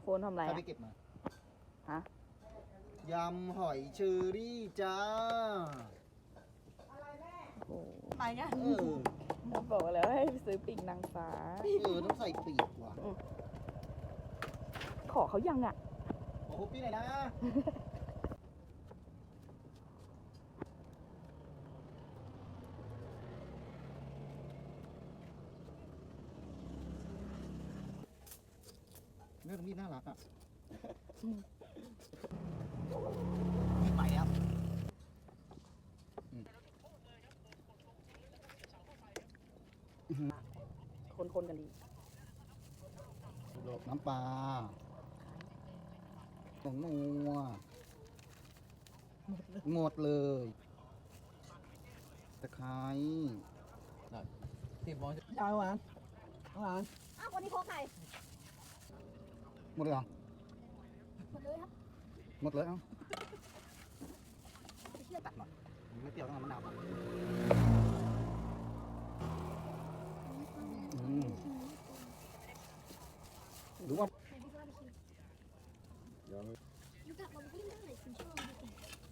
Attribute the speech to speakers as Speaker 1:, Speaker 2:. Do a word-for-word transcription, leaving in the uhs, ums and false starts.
Speaker 1: ฟนทำอะไร
Speaker 2: ใคร
Speaker 1: อะ
Speaker 2: ไปเก็บมา
Speaker 1: ฮะ
Speaker 2: ยำหอยเชอรี่จ้า
Speaker 1: โอ้
Speaker 3: ไปไง
Speaker 2: เออ
Speaker 1: เราบอกแล้วให้ไปซื้อปีกนางฟ้า
Speaker 2: เออต้องใส่ปีกว่ะ
Speaker 1: ขอเขายังอ่ะ
Speaker 2: โอ้โหพี่หน่อยนะเรื่องมีดน่ารักอ่ะมีดใหม่ครับ
Speaker 1: คนๆกันดี
Speaker 2: น้ำปลาผงนัวหมดเลยตะไคร้
Speaker 4: ที่บอล
Speaker 2: ยาวหวานหวาน
Speaker 3: อ้าววันนี้โคไข่
Speaker 2: หมดเลยเหรอ
Speaker 3: หมดเลยครับ
Speaker 2: หมดเลยเอ้าตัดหน่อยมันไม่เปรี้ยวต้องเอามะนาวก่อนอืมหรือว่า
Speaker 5: ลูกกลับมาพูดเรื่องไหนคุณชอบดูสิ